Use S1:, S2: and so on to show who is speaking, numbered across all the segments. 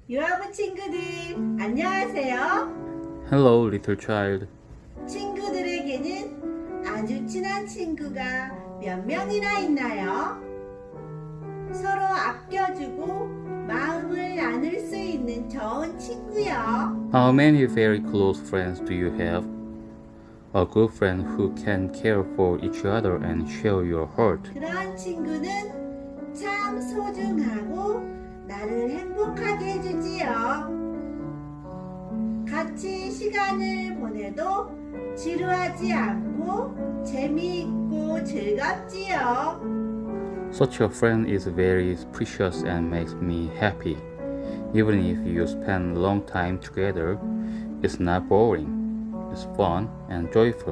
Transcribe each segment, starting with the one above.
S1: 유아부 친구들, 안녕하세요.
S2: Hello, little child.
S1: 친구들에게는 아주 친한 친구가 몇 명이나 있나요? 서로 아껴주고 마음을 나눌 수 있는 좋은 친구요.
S2: How many very close friends do you have? A good friend who can care for each other and share your heart.
S1: 그런 친구는 참 소중하고 나를 행복하게 해주지요. 같이 시간을 보내도 지루하지 않고 재미있고 즐겁지요.
S2: Such a friend is very precious and makes me happy. Even if you spend a long time together, it's not boring. It's fun and joyful.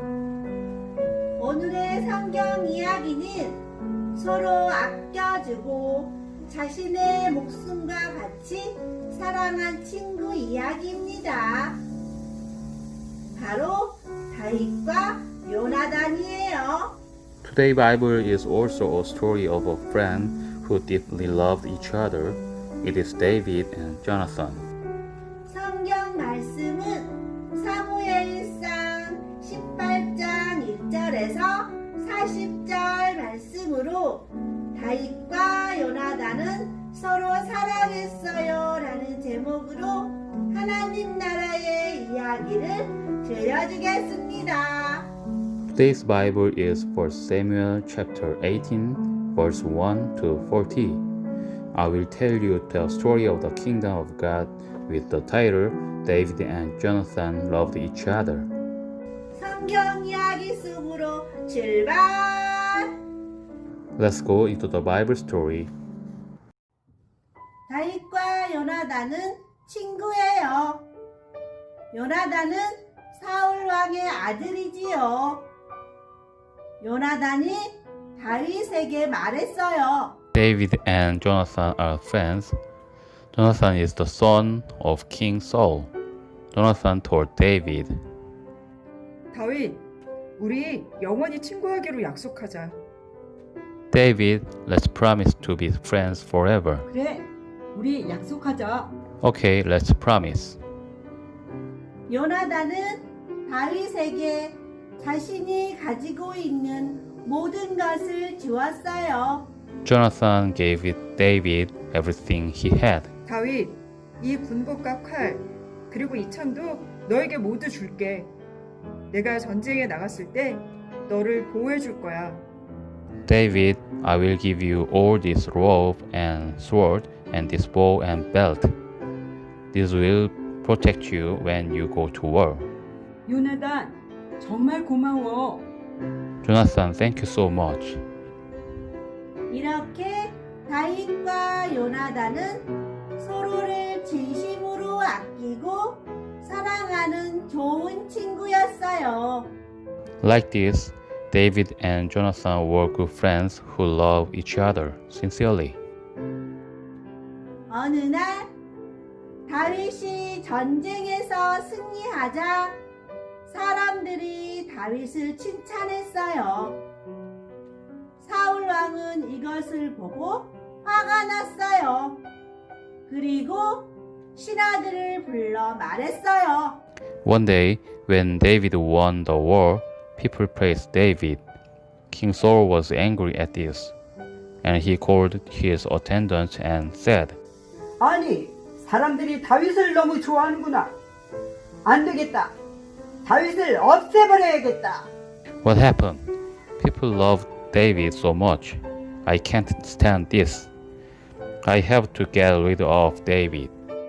S1: 오늘의 성경 이야기는 서로 아껴주고 자신의 목숨과 같이 사랑한 친구 이야기입니다. 바로 다윗과 요나단이에요.
S2: Today's Bible is also a story of a friend who deeply loved each other. It is David and Jonathan.
S1: 성경 말씀은 사무엘상 18장 1절에서 40절 말씀으로 다윗과 요나단은 서로 사랑했어요 라는 제목으로 하나님 나라의 이야기를 들려주겠습니다.
S2: Today's Bible is 1 Samuel chapter 18 verse 1 to 40. I will tell you the story of the kingdom of God with the title David and Jonathan loved each other.
S1: 성경 이야기 속으로 출발!
S2: Let's go into the Bible story.
S1: 다윗과 요나단은 친구예요. 요나단은 사울 왕의 아들이지요. 요나단이 다윗에게 말했어요.
S2: David and Jonathan are friends. Jonathan is the son of King Saul. Jonathan told David,
S3: 다윗, 우리 영원히 친구하기로 약속하자.
S2: David, let's promise to be friends forever.
S3: 그래, 우리 약속하자.
S2: Okay, let's promise.
S1: 요나단은 다윗에게 자신이 가지고 있는 모든 것을 주었어요.
S2: Jonathan gave David everything he had.
S3: 다윗, 이 군복과 칼, 그리고 이 창도 너에게 모두 줄게. 내가 전쟁에 나갔을 때 너를 보호해 줄 거야.
S2: David, I will give you all this robe and sword and this bow and belt. This will protect you when you go to war.
S3: 요나단, 정말 고마워.
S2: Jonathan, thank you so much.
S1: 이렇게 다윗과 요나단은 서로를 진심으로 아끼고 사랑하는 좋은 친구였어요.
S2: Like this, David and Jonathan were good friends who love each other sincerely.
S1: 어느 날 다윗이 전쟁에서 승리하자 사람들이 다윗을 칭찬했어요. 사울 왕은 이것을 보고 화가 났어요. 그리고 신하들을 불러 말했어요.
S2: One day, when David won the war, people praised David. King Saul was angry at this, and he called his attendants and said,
S4: 아니, 사람들이 다윗을 너무 좋아하는구나. 안 되겠다. 다윗을 없애버려야겠다.
S2: What happened? People loved David so much. I can't stand this. I have to get rid of David.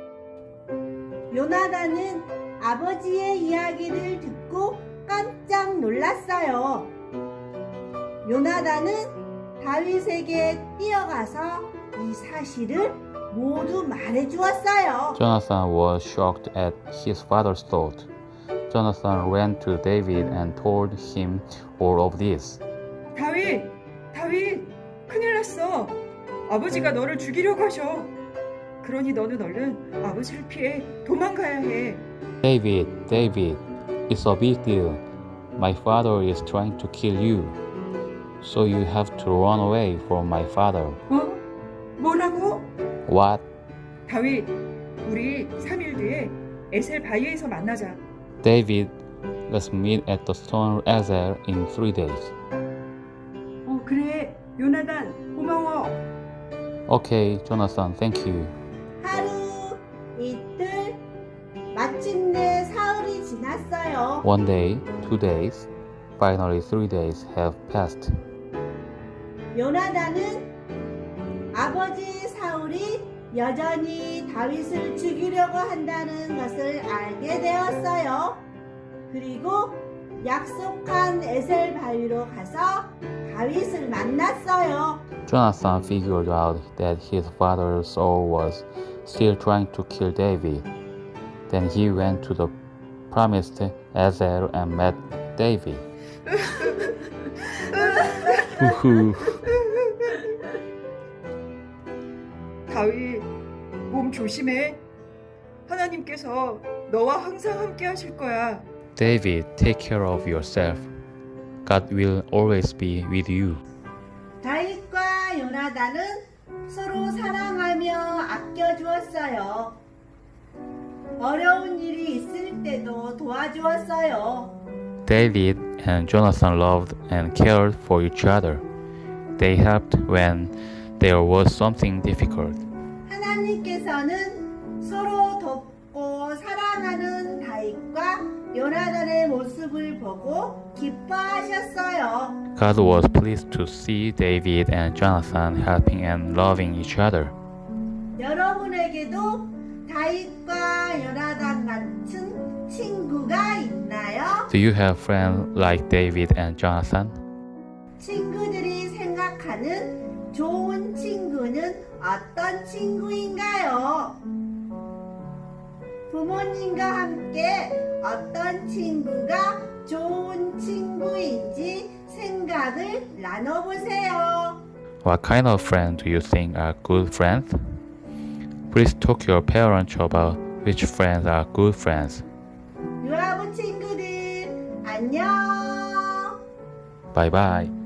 S1: 요나단은 아버지의 이야기를 듣고 깜짝 놀랐어요. 요나단은 다윗에게 뛰어가서 이 사실을 모두 말해주었어요.
S2: Jonathan was shocked at his father's thought. Jonathan ran to David and told him all of this.
S3: 다윗, 큰일 났어. 아버지가 너를 죽이려고 하셔. 그러니 너는 얼른 아버지를 피해 도망가야 해.
S2: David, it's a big deal. My father is trying to kill you. So you have to run away from my father.
S4: 뭐라고?
S2: What?
S3: 다윗, 우리 3일 뒤에 에셀 바위에서 만나자.
S2: David, let's meet at the stone Ezel in 3 days.
S4: 그래. 요나단, 고마워.
S2: Okay, Jonathan, thank you.
S1: 하루, 이틀, 마침내 사흘이 지났어요.
S2: 1 day, 2 days, finally 3 days have passed.
S1: 요나단은 아버지 사울이 여전히 다윗을 죽이려고 한다는 것을 알게 되었어요. 그리고 약속한 에셀 바위로 가서 다윗을 만났어요.
S2: Jonathan figured out that his father Saul was still trying to kill David. Then he went to the promised Ezel and met David. Woohoo.
S3: 다윗, 몸 조심해. 하나님께서 너와 항상 함께 하실 거야.
S2: David, take care of yourself. God will always be with you.
S1: 다윗과 요나단은 서로 사랑하며 아껴주었어요. 어려운 일이 있을 때도 도와주었어요.
S2: David and Jonathan loved and cared for each other. They helped when there was something difficult.
S1: 하나님께서는 서로 돕고 사랑하는 다윗과 요나단의 모습을 보고 기뻐하셨어요.
S2: God was pleased to see David and Jonathan helping and loving each other.
S1: 여러분에게도 다윗과 요나단 같은 친구가 있나요?
S2: Do you have friends like David and Jonathan?
S1: 친구들이 생각하는 좋은 친구는 어떤 친구인가요? 부모님과 함께 어떤 친구가 좋은 친구인지 생각을 나눠보세요.
S2: What kind of friends do you think are good friends? Please talk to your parents about which friends are good friends.
S1: 유아부 친구들 안녕.
S2: Bye bye.